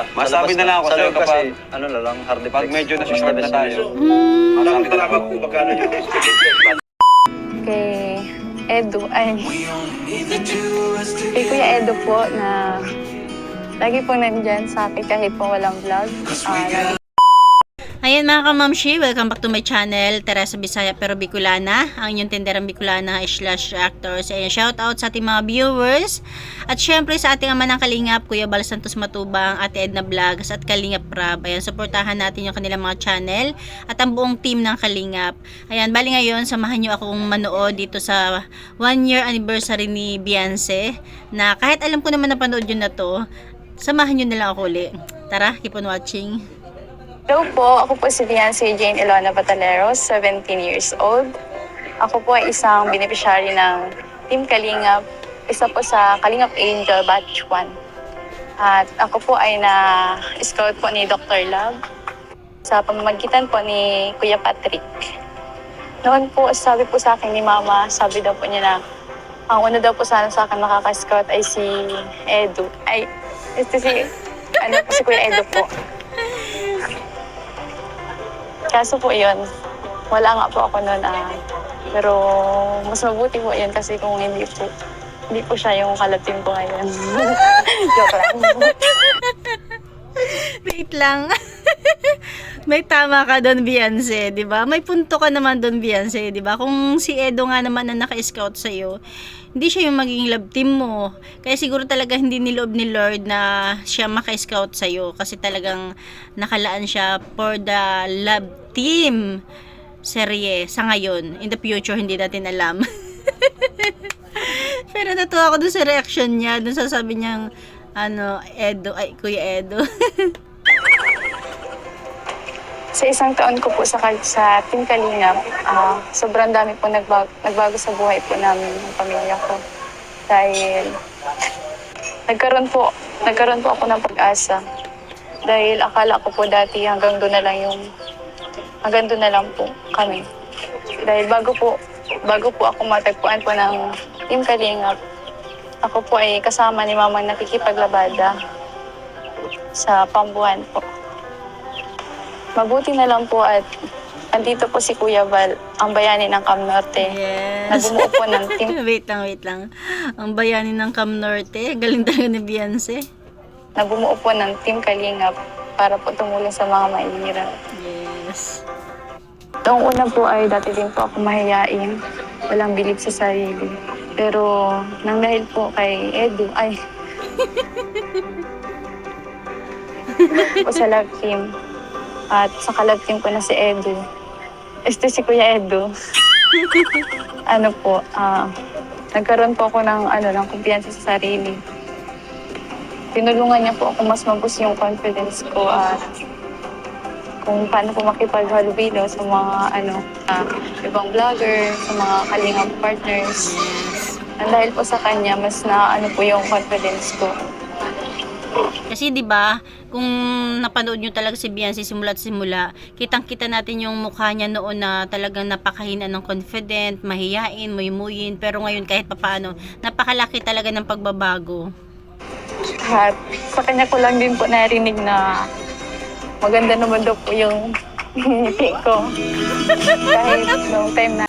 Masabi na lang ako sa sa'yo loob kasi, kapag ano na lang, hard pag medyo nasistart na tayo. Hmm. Masabi na lang ako kung magkano yung Kay Edu, ay, kay Kuya Edu po na lagi po nandyan sa akin kahit po walang vlog. Ayan mga kamamshi, welcome back to my channel, Teresa Bisaya pero Bicolana, ang inyong tenderang Bicolana slash actors. Ayan, shout out sa ating mga viewers at syempre sa ating ama ng Kalingap, Kuya Bal Santos Matubang, Ate Edna Vlogs at Kalingap Rab. Ayan, supportahan natin yung kanilang mga channel at ang buong team ng Kalingap. Ayan, bali ngayon, samahan nyo akong manood dito sa 1 year anniversary ni Beyonce na kahit alam ko naman napanood yun na to, samahan nyo na lang ako ulit. Tara, keep on watching. Hello po, ako po si Beyonce Jane Ilona Bataleros, 17 years old. Ako po ay isang beneficiary ng Team Kalingap, isa po sa Kalingap Angel Batch 1. At ako po ay na-scout po ni Dr. Love sa pamamagitan po ni Kuya Patrick. Noon po, sabi po sa akin ni Mama, sabi daw po niya na ang una daw po sana sa akin makaka-scout ay si Edu. Ay, si Kuya Edu po. Kaso po yun, wala nga po ako noon. Pero mas mabuti po yun kasi kung hindi po siya yung kalatim ko ngayon. Joke lang. Wait lang. May tama ka doon, Beyonce, 'di ba? May punto ka naman doon, Beyonce, 'di ba? Kung si Edo nga naman na naka-scout sa iyo, hindi siya yung maging love team mo. Kaya siguro talaga hindi niloob ni Lord na siya maka-scout sa iyo kasi talagang nakalaan siya for the love team serye sa ngayon. In the future, hindi natin alam. Pero natuwa ako dun sa reaction niya, dun sa sabi niyang Edo, ay Kuya Edo. Sa isang taon ko po sa Team Kalingap, sobrang dami po nagbago sa buhay po namin ng pamilya ko. Dahil nagkaroon po ako ng pag-asa. Dahil akala ko po dati hanggang doon na lang po kami. Dahil bago po ako matagpuan po ng Team Kalingap, ako po ay kasama ni Mamang nakikipaglabada sa pambuhan po. Mabuti na lang po at andito po si Kuya Val, ang bayani ng Cam Norte. Yes. Na bumuo po ng team. Wait lang. Ang bayani ng Cam Norte, galing talaga ni Beyonce. Na bumuo po ng Team Kalingap para po tumulong sa mga mahihirap. Yes. Noong una po ay dati din po ako mahiyain. Walang bilib sa sarili. Pero nang dahil po kay Edu, po sa love team. At sa kalab team ko na si Edu. Si Kuya Edu. Nagkaroon po ako ng kumpiyansa sa sarili. Tinulungan niya po ako mas mabus yung confidence ko at kung paano po makipaghalubilo sa mga ibang vlogger, sa mga Kalingap partners. And dahil po sa kanya, mas po yung confidence ko. Kasi 'di ba, kung napanood niyo talaga si Beyonce simula't simula, kitang-kita natin yung mukha niya noon na talagang napakahina ng confident, mahiyain, muymuyin, pero ngayon kahit papaano, napakalaki talaga ng pagbabago. At sa kanya ko lang din po narinig na maganda naman daw po yung ngiti ko. Kahit noong time na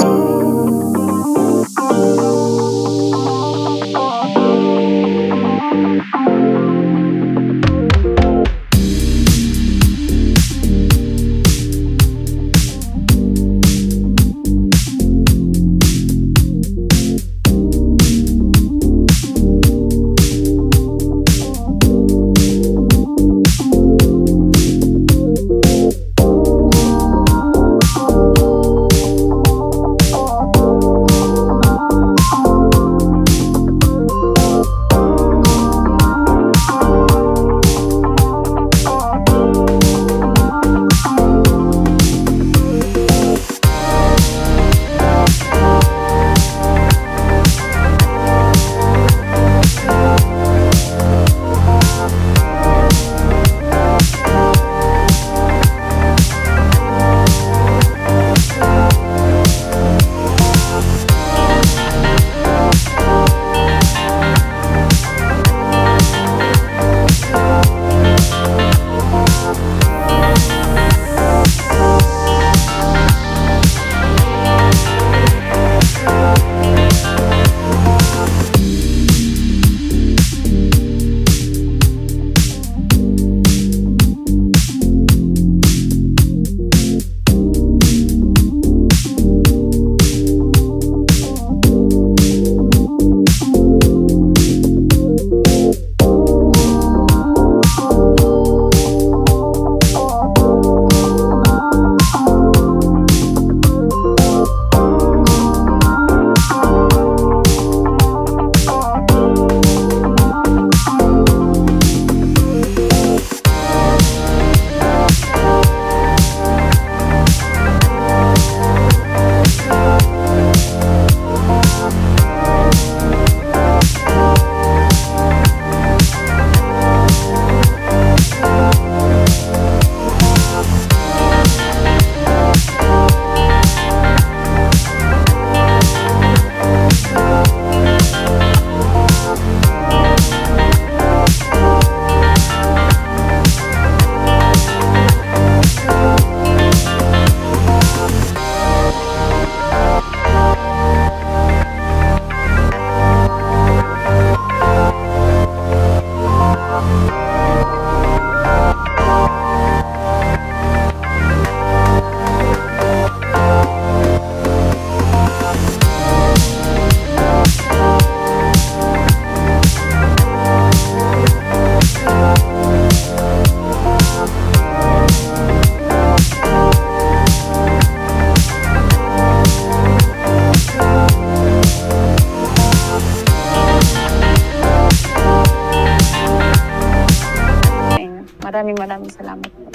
Maraming salamat po.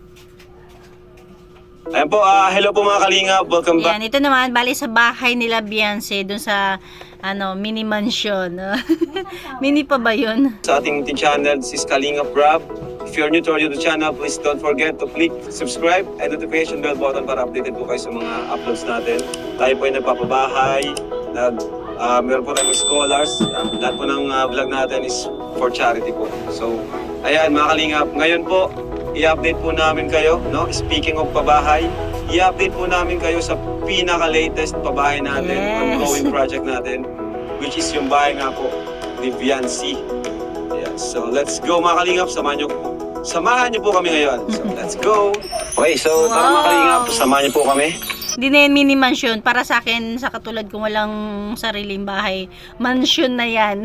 Ayan po, hello po mga kalingap. Welcome back. Yan, ito naman, bali sa bahay nila Beyonce, dun sa, mini mansion. Mini pa ba yun? Sa ating channel, this is Kalingap Rob. If you're new to our YouTube channel, please don't forget to click subscribe and notification bell button para updated po kayo sa mga uploads natin. Tayo po ay nagpapabahay, meron po tayong scholars. Lahat po ng vlog natin is for charity po. So, ayan mga kalingap, ngayon po, i-update po namin kayo, no? Speaking of pabahay, i-update po namin kayo sa pinaka-latest pabahay natin, ongoing project natin, which is yung bahay nga po ni Beyonce. Yeah, so let's go mga kalingap, samahan niyo po kami ngayon. So let's go! Okay, so tara mga kalingap, samahan niyo po kami. Hindi na yan mini mansion. Para sa akin, sa katulad kong walang sariling bahay, mansion na yan.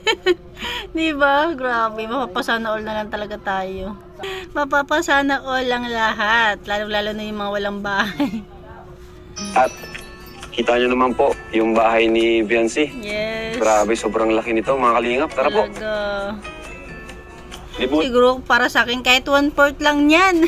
Diba? Grabe, mapapasana all na lang talaga tayo. Mapapasana all lang lahat. Lalo na yung mga walang bahay. At kita niyo naman po yung bahay ni Beyonce. Yes. Grabe, sobrang laki nito mga kalingap. Tara po. Talaga. Libut. Siguro para sa akin kahit 1/4 lang yan.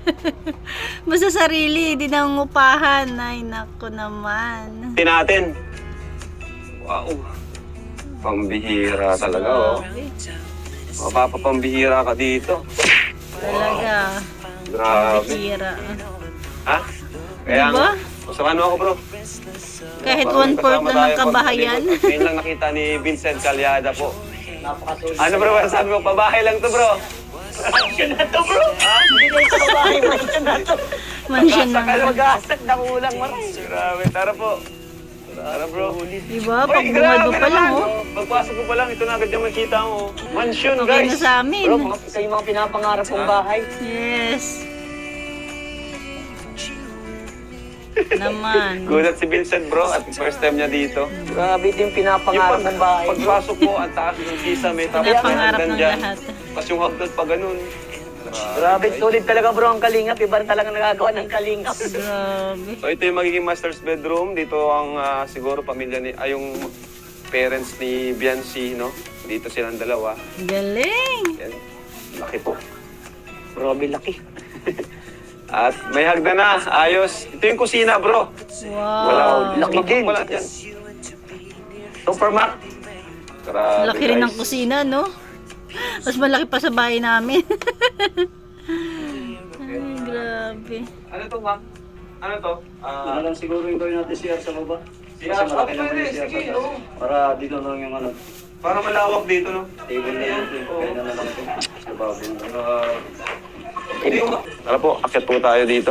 Basta sarili, di nang upahan. Ay, nako naman. Natin. Wow. Pambihira talaga, oh. Mapapapambihira ka dito. Talaga. Grabe. Bihira. Ha? Kaya Diba? Samahan mo ako, bro. Kahit Parang 1/4 kasama lang ng tayo kabahayan. pagkalibot. Ngayon lang nakita ni Vincent Calyada po. Ano bro, sabi mo, pabahay lang to bro. Mansion na to bro. Hindi na ito pabahay, mansion na to. Mansion na. Mag-asat na kulang maras. Grabe, tara po. Tara bro. Diba? Pag bungad mo pa lang, oh. Pagpasok ko pa lang, ito na agad yung makita mo. Mansion, Okay guys. na sa amin. Isa yung mga pinapangarap kong bahay. Yes. Naman. Gulat si Vincent bro, at first time niya dito. Grabe ito yung pinapangarap kong bahay. Pagpasok mo, ang taas ng kisame, tapos Pinapangarap ng dyan. lahat. Tapos yung hagdan pa ganun. Grabe, solid talaga bro ang kalingap. Iba rin talaga nagagawa ng kalingap. Grabe. So ito yung magiging master's bedroom. Dito ang siguro pamilya ni, yung parents ni Beyonce, no? Dito silang dalawa. Galing. Yan. Laki po. Grabe, laki. At may hagdan na. Ayos. Ito yung kusina, bro. Wow. Laki din. Wala dyan. Supermac. Grabe, Laki rin ng guys. kusina, no? Mas malaki pa sa bahay namin. Ay, grabe. Ano to, ma'am? Ano to? Ano lang siguro yung gawin natin CR sa baba. CR? Kasi malaki Oh, naman pwede. yung CR Sige, sa taas. oo. Para dito lang yung ano, Para malawak dito, no? table na yun. Kaya na lang ito. Sa baba. Tara po, akit po tayo dito.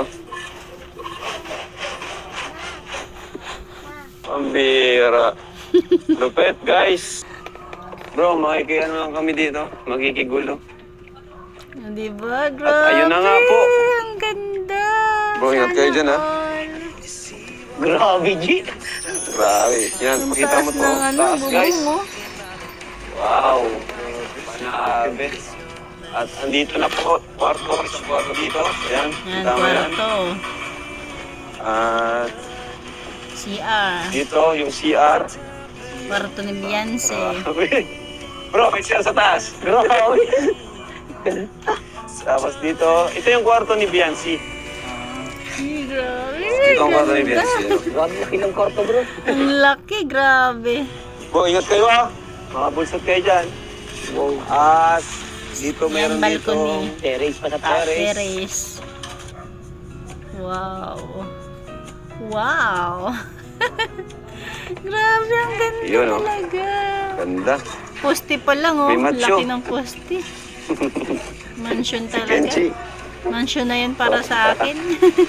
Pambira. Lupet, guys. Bro, makikiano lang kami dito. Magkikigulo. Diba? Grabe. ayun na nga po. Ang ganda. Bro, ingat kayo dyan, ha? Grabe, G. Grabe. Yan, Ang makita mo taas to. ng ano, Taas, guys. bubong, oh. Wow. Grabe. At andito na po. Kwarto dito. Yan. Yan, Tama yan. kwarto. At CR. dito, yung CR. Kwarto ni Beyonce. Bro, may CR sa taas. Grabe. Tapos dito, ito yung kwarto ni Beyonce. Ay, grabe. Ito ang kwarto ni Ganda. Beyonce. Grabe, laki ng kwarto bro. Ang laki, grabe. Bro, ingat kayo ha. Makabulsot kayo dyan. Wow. At dito Yan, meron dito. balcony. Terrace pa sa taas. Terrace. Wow. Wow. Grabe, ang ganda Yun, oh. talaga. Ganda. Poste pa lang, oh. May macho. Laki ng poste. Mansion talaga. Kenchi. Mansion na yun para sa akin.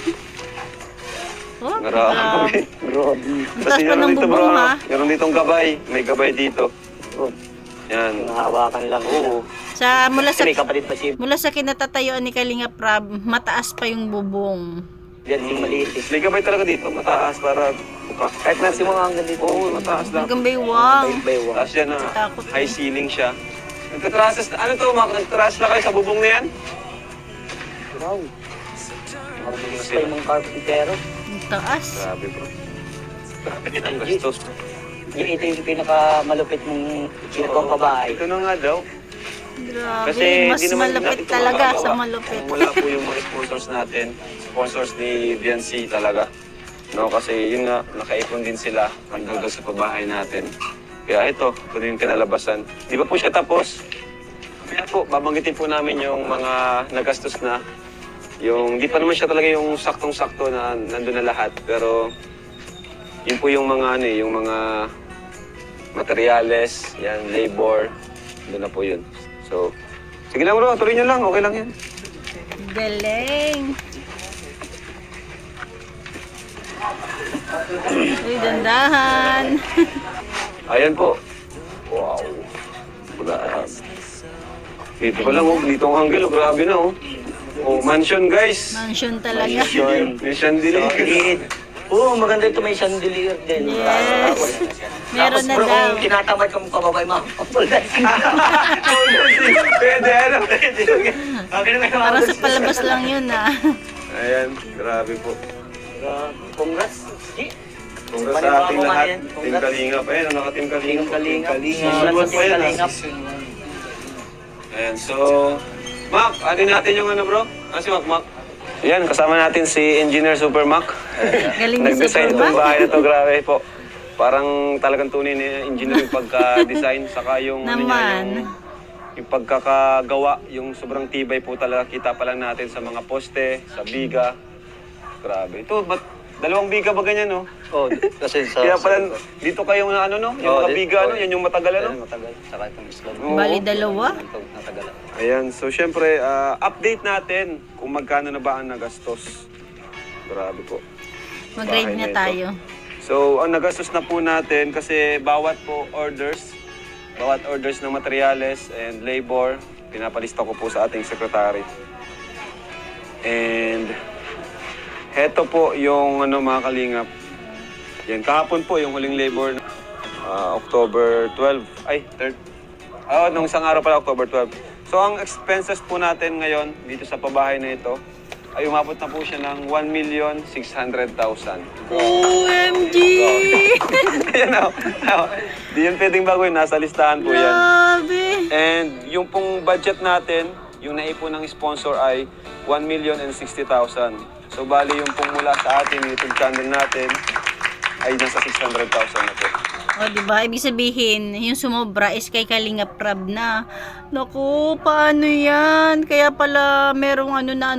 Oh, Grabe. Grabe. Ang taas pa ng dito bubong, ha? Meron ditong gabay. May gabay dito. Oh, Yan. nahawakan lang. Oo. Sa mula sa May kapatid pa si kinatatayuan ni Kalinga Prab, mataas pa yung bubong. Yan, yung maliit eh. May gabay talaga dito. Mataas para buka. Kahit nasi mga hanggang dito. Oo, mataas lang. Hanggang baywang. Baywang. Taas yan na. Takot. High ceiling siya. Nagtatrases, ano to, nagtatrases na kayo sa bubong na yan? Wow. Marunong pa yung mga carpentero. Ang taas. Grabe bro. Grabe din ang gastos. Ito yung pinakamalupit mong ginagawang kabahay. Ito na nga daw. Grabe, Kasi mas di naman malupit natin ito talaga magagawa sa malupit. kung wala po yung mga sponsors natin, sponsors ni BNC talaga. No, kasi yun nga, nakaipon din sila hanggang doon sa pabahay natin. Kaya ito yung kinalabasan. Di ba po siya tapos? Kaya po, babanggitin po namin yung mga nagastos na. Yung, di pa naman siya talaga yung saktong-sakto na nandun na lahat. Pero, yun po yung mga, yung mga materyales, yan, labor, doon na po yun. So, sige lang bro, tuloy nyo lang, okay lang yan. Galing. Uy, dandahan. Ayan po. Wow. Wala. Dito pa lang, oh. Dito ang angle, oh. Grabe na, oh. Oh, mansion, guys. Mansion talaga. May chandelier. Oo, maganda ito, may chandelier din. Yes. Meron na bro, daw. kung tinatamad kang pababay, makakapuldan. Pwede, ano? Okay na Parang sa palabas lang yun ah. Ayan, grabe po. Congrats. G. Congrats sa ating lahat. Team Congrats. Kalingap. Ayan, naka-team Kalingap. Team Kalingap. Susunod Congrats sa pa Team yan, ah. Kalingap. Ayan, so... Mac, atin natin yung ano bro? Ano si Mac? Ayan, kasama natin si Engineer Super Mac. Galing ni Nag-design Super itong Mac. bahay na to, grabe po. Parang talagang tunay ni engineer yung pagka-design, saka yung, ano niya, Naman. yung pagkakagawa, yung sobrang tibay po talaga. Kita pa lang natin sa mga poste, sa biga. Grabe. Ito, ba't dalawang biga ba ganyan, no? Oh, kasi sa... Kaya pala, dito kayo na ano, no? Yung Oo, mga biga, no? Yan yung matagal, ano? Yan, matagal. Saka itong Islam. Oo. Bali dalawa. Matagal. Ayan, so syempre, update natin kung magkano na ba ang nagastos. Grabe po. Mag-grade Bahay na na ito. tayo. So, ang nagastos na po natin kasi bawat orders ng materyales and labor, pinapalista ko po sa ating secretary. And heto po yung mga kalingap. Yan, kahapon po yung huling labor, October 12. Ay, 3rd. Nung isang araw pala, October 12. So, ang expenses po natin ngayon dito sa pabahay na ito ay umabot na po siya ng 1,600,000. OMG! Ayan o. Di yan pwedeng baguhin. Nasa listahan po yan. Grabe! And yung pong budget natin, yung naipon ng sponsor ay 1,060,000. So bali yung pong mula sa ating YouTube channel natin ay nasa 600,000 na po. O, diba? Ibig sabihin, yung sumobra is kay Kalingap Rab na. Naku, paano yan? Kaya pala merong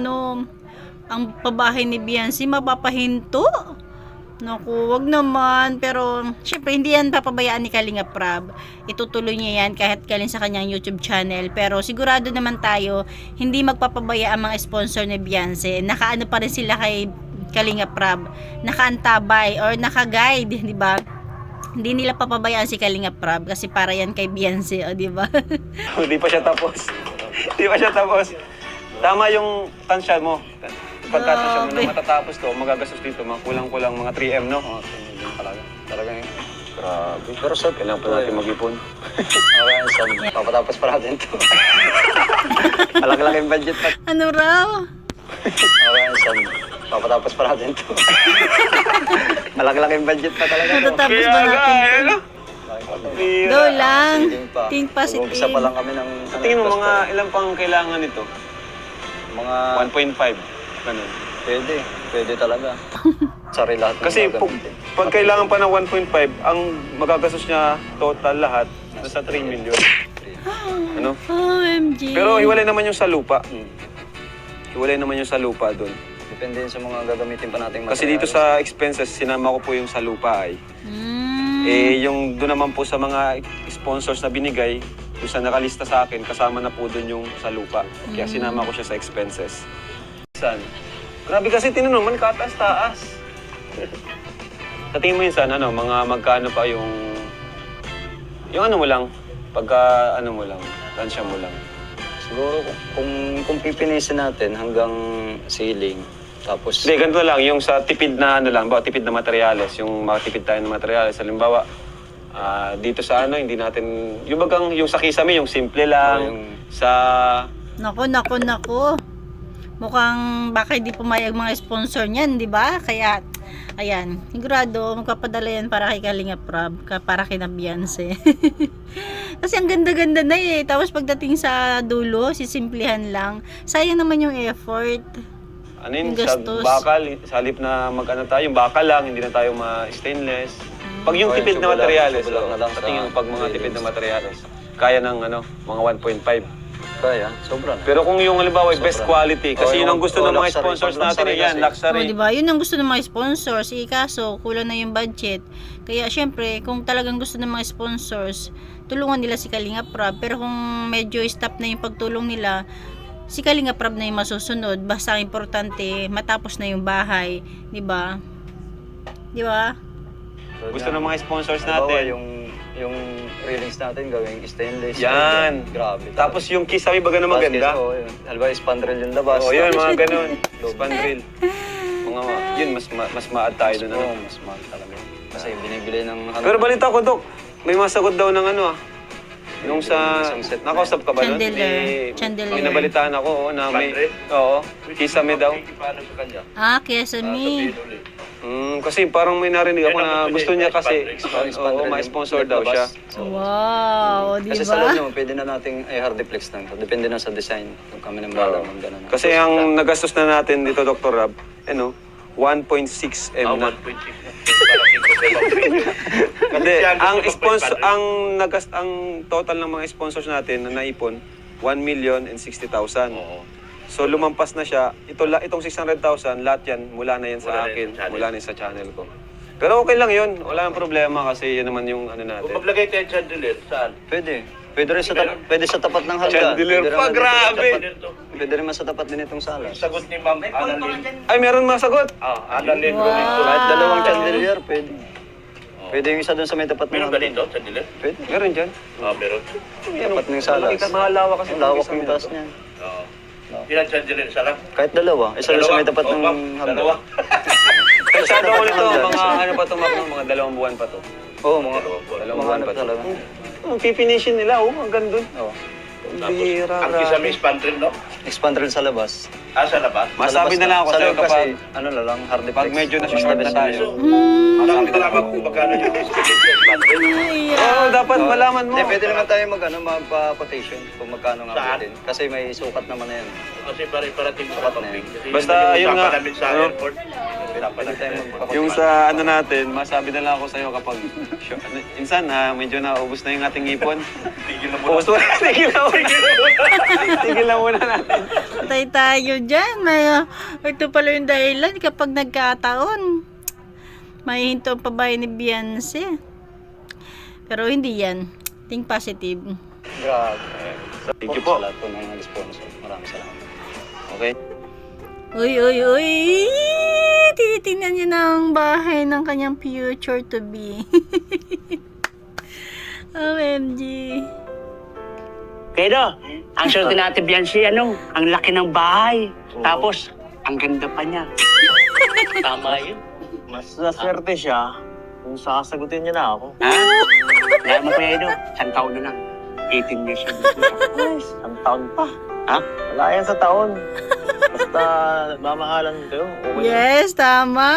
ang pabahay ni Beyonce mapapahinto. Naku, wag naman. Pero, syempre, hindi yan papabayaan ni Kalingap Rab. Itutuloy niya yan kahit kalin sa kanyang YouTube channel. Pero, sigurado naman tayo, hindi magpapabaya ang mga sponsor ni Beyonce. Nakaano pa rin sila kay Kalingap Rab. Nakaantabay or naka-guide, di ba? Hindi nila papabayaan si Kalingap Rab kasi para yan kay Beyonce, o, di ba? Hindi pa siya tapos. Hindi pa siya tapos. Tama yung tansya mo. Pagkatansya mo na matatapos to, magagastos dito, mga kulang-kulang mga 3M, no? Oo, yun talaga. Talaga yun. Grabe. Pero sir, Kailangan pa natin mag-ipon. Okay, so, papatapos pa natin to. Malaki-laking budget pa. Ano raw? Okay, so, papatapos pa natin to. Malaki-laking budget pa talaga to. Matatapos ba natin to? ano? Go lang. Hindi pa. Think positive. Mag-umpisa pa lang kami ng... Sa tingin mo, mga ilang pang kailangan nito? Mga... 1.5. Ganun. Pwede talaga. Sorry lahat. ng Kasi gagamitin. pag kailangan pa ng 1.5, ang magagastos niya total lahat nasa 3 million. Ano? OMG. Pero hiwalay naman yung sa lupa. Hmm. Hiwalay naman yung sa lupa doon. Depende yun sa mga gagamitin pa nating Kasi dito sa expenses, sinama ko po yung sa lupa ay. Yung doon naman po sa mga sponsors na binigay, doon sa nakalista sa akin, kasama na po doon yung sa lupa. Kaya sinama ko siya sa expenses. San? Grabe kasi tinanong man, kataas-taas. Sa tingin mo yun saan, mga magkano pa yung ano mo lang, pagka ano mo lang, tansya mo lang. Siguro kung pipinisin natin hanggang ceiling, tapos... Hindi, ganito lang, yung sa tipid na tipid na materyales, yung makatipid tayo ng materyales. Halimbawa, dito sa hindi natin, yung sa kisame, yung simple lang, sa... Nako. Mukhang baka hindi pumayag mga sponsor niyan, di ba? Kaya, ayan, sigurado magpapadala yan para kay Kalingap Rab, para kay na Beyonce. Kasi ang ganda-ganda na eh. Tapos pagdating sa dulo, sisimplihan lang. Sayang naman yung effort. Ano yun, Yung sa gastos. bakal, sa halip na mag-ano tayo, yung bakal lang, hindi na tayo ma-stainless. Pag yung Okay, tipid na subulan- materyales, subulan na lang sa sa tingin ko, pag mga stainless. tipid na materyales, kaya ng ano, mga 1.5. Kaya, sobra na. Pero kung yung halimbawa, best quality, kasi Oh, yun ang gusto ng mga luxury. sponsors Pag natin, luxury yan, kasi. O, luxury. diba? Yun ang gusto ng mga sponsors. Kaso, kulang na yung budget. Kaya, syempre, kung talagang gusto ng mga sponsors, tulungan nila si Kalinga Prab. Pero kung medyo stop na yung pagtulong nila, si Kalinga Prab na yung masusunod. Basta ang importante, matapos na yung bahay. Diba? Diba? Gusto ng mga sponsors Halimbawa, natin. yung railings natin gawing stainless. Yan. Grabe. Tapos yung kiss, sabi baga na maganda. Oo, yun. Halimbawa, spandrel yung labas. Oo, yun, Tapos mga yung ganun. loob. Spandrel. Mga, yun, mas ma-add tayo doon. Oo, Ano? mas mahal talaga. Kasi binibili ng... Pero balita ko, Dok, may masagot daw ng ano Nung sa... Isang set na Nakausap ka ba doon? Chandelier. Chandelier. May nabalitaan ako, na may... Oo, kisame daw. Kesame. Kasi parang may narinig ako na gusto niya kasi, oo, ma-sponsor daw siya. Wow, Kasi sa loob diba? naman, pwede na nating hardiplex lang. Depende na sa design. Kung kami na Oo. mag gano'n. Kasi ang nagastos na natin dito, Dr. Rab, 1.6 M na. Kasi ang total ng mga sponsors natin na naipon 1,060,000. So lumampas na siya. Itong 600,000 lahat yan mula na yan sa akin, mula na yan sa channel ko. Pero okay lang 'yun. Wala nang problema kasi 'yun naman yung ano natin. Kung maglagay tayo chandelier, saan? Pwede. Pwede rin pwede sa tapat ng hagdan. Chandelier Pwede rin pa, naman grabe! dito. Pwede rin man sa tapat din itong sala. Sagot ni Ma'am Annalyn. Ay, meron masagot. Annalyn Wow. Romito. Kahit dalawang chandelier, pwede. Pwede yung isa doon sa may tapat ng Meron ganito, chandelier? Pwede. Meron diyan. Meron. Tapat ng salas. Mahalawa kasi Ang lawak ng taas niyan. Oo. Ilan chandelier? Isa lang? Kahit dalawa. Isa lang sa may tapat ng hagdan. Dalawa. Kaya sa daw nito, mga ano pa to, mga 2 buwan pa to. Oo, mga Dalawang mga buwan ano pa to. talaga. Ang pipinishin nila, hanggang dun. Oo. Tapos, Bihira, ang isa grabe. may spandrel, no? Expand rin sa labas. Sa labas? Masabi Sa na lang ako labas sa'yo Sa loob kapag, kasi, ano na lang, hardiplex. pag medyo nasa-short na tayo. Dapat malaman kung magkano yung estimate sa spandrel. Oo, dapat malaman mo. Hindi, pwede naman tayo magpa-quotation kung magkano nga Saan? din. Kasi may sukat naman na yan. Kasi parating sa kapag-big. Basta, yun nga, namin sa ano? airport. Pwede tayo magpa-quotation. Yung sa ano natin, masabi na lang ako sa'yo kapag, insan medyo naubos na yung ating ipon. Tigil na Ubus muna. na, tigil na muna. Tigil na muna natin. Patay tayo dyan. Ito pala yung dahilan kapag nagkataon. May hinto ang pabahay ni Beyonce. Pero hindi yan. Think positive. Grabe. Thank you po. Sa lahat po ng mga sponsor. Maraming salamat. Okay. Uy! Tinitingnan niya na ang bahay ng kanyang future to be. OMG. Pero, ang swerte natin Beyonce, ang laki ng bahay. Tapos, ang ganda pa niya. Tama yun. Mas naswerte siya kung sasagutin niya na ako. Ha? Kaya mo pa yun, isang taon na lang. 18 years old. Ang taon pa. Ha? Wala yan sa taon. Basta mamahalan kayo. Okay. Yes, tama.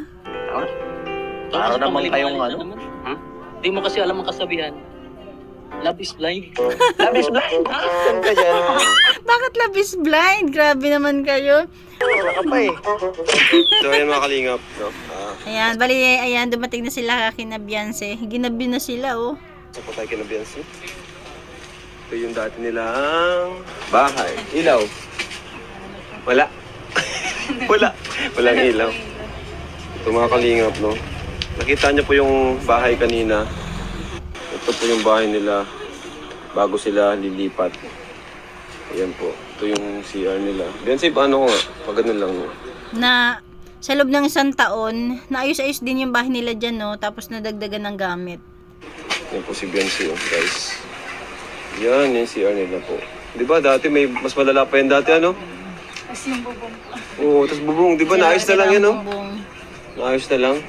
Para naman kayong ano. Ha? Di mo kasi alam ang kasabihan. Love is blind. Love is blind. Saan ka dyan? Bakit love is blind? Grabe naman kayo. Wala ka pa eh. So, ayan mga kalingap. No? Ayan, bali, ayan, dumating na sila kina Beyonce. Ginabi na sila, oh. Sa po tayo kina Beyonce. Ito yung dati nilang bahay. Ilaw. Wala. Wala. Walang ilaw. Ito mga kalingap, no? Nakita niyo po yung bahay kanina. Ito po yung bahay nila bago sila lilipat. Ayan po. Ito yung CR nila. Beyonce, paano ko nga? Pag ganun lang. No? Na sa loob ng isang taon, naayos-ayos din yung bahay nila dyan, no? Tapos nadagdagan ng gamit. Yan po si Beyonce, oh, guys. Yan, yung CR nila po. Di ba dati may mas malala pa yan dati, ano? Tapos yung bubong. Oo, tapos bubong. Di ba naayos na lang yan, no? Bumbong. Naayos na lang.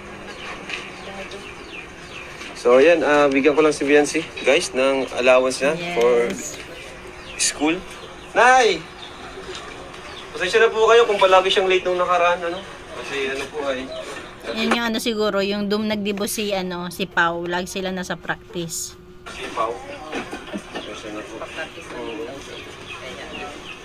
So, ayan, bigyan ko lang si Beyonce, guys, ng allowance niya for Yes. school. Nay! Pasensya na po kayo kung palagi siyang late nung nakaraan, ano? Kasi ano po ay... Yun yung ano siguro, yung nagdibo si Pao. Lagi sila nasa practice. Si Pao.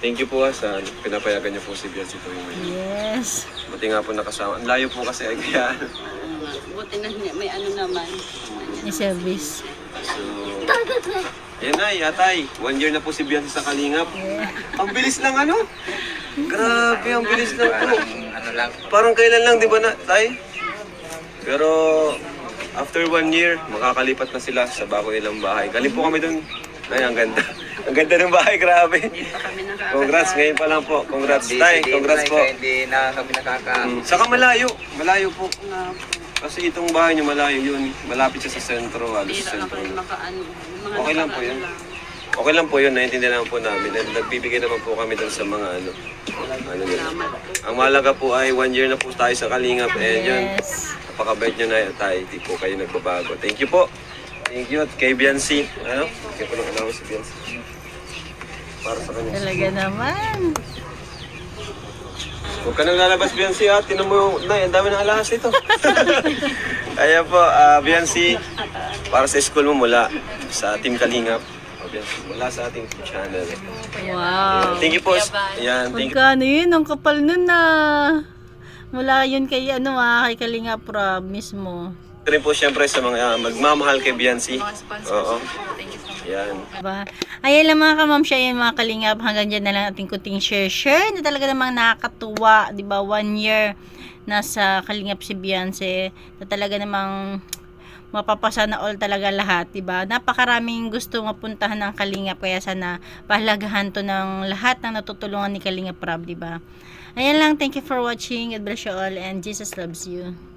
Thank you po sa pinapayagan niyo po si Beyonce po yung ngayon. Yes. Buti nga po nakasama. Ang layo po kasi ay kaya. Buti na may ano naman. May service. So, yan na, yatay. 1 year na po si Beyonce sa Kalingap. Ang bilis lang ano? Grabe, ang bilis lang po. Parang kailan lang, di ba na, tay? Pero, after 1 year, makakalipat na sila sa bago nilang bahay. Galing po kami dun. Ay, ang ganda. Ang ganda ng bahay, grabe. Congrats, ngayon pa lang po. Congrats, tay. Congrats po. Hindi na kami Saka malayo. Malayo po. Kasi itong bahay niyo malayo yun. Malapit siya sa sentro. Halos sa sentro. Okay lang po yun. Okay lang po yun. Naiintindihan naman po namin. And nagbibigay naman po kami dun sa mga ano nila. Ang mahalaga po ay 1 year na po tayo sa Kalingap. And yun, Yes. napakabait nyo na tayo. Hindi po kayo nagbabago. Thank you po. Thank you. At kay Beyonce. Ano? Kaya po nang allowance si Beyonce. Para sa kanya. Talaga naman. Huwag ka nang lalabas, Beyonce, ha? Tinan mo, Nay, ang dami ng alahas ito. Kaya po, Beyonce, para sa school mo mula sa Team Kalingap. Beyonce, mula sa ating channel. Wow. Thank you po. Ayan, thank you. Magkano yun? Ang kapal nun na. Mula yun kay kay Kalinga Prab mismo. Rin po siyempre sa mga magmamahal kay Beyonce. Oo. Yan. Diba? Ayan lang mga kamamsya, yan mga Kalingap. Hanggang dyan na lang ating kunting share na talaga namang nakakatuwa. Diba? 1 year nasa Kalingap si Beyonce. Na talaga namang mapapasa na all talaga lahat. Diba? Napakaraming gusto mapuntahan ng Kalingap. Kaya sana pahalagahan to ng lahat ng natutulungan ni Kalingap Prab. Diba? Ayan lang. Thank you for watching. God bless you all and Jesus loves you.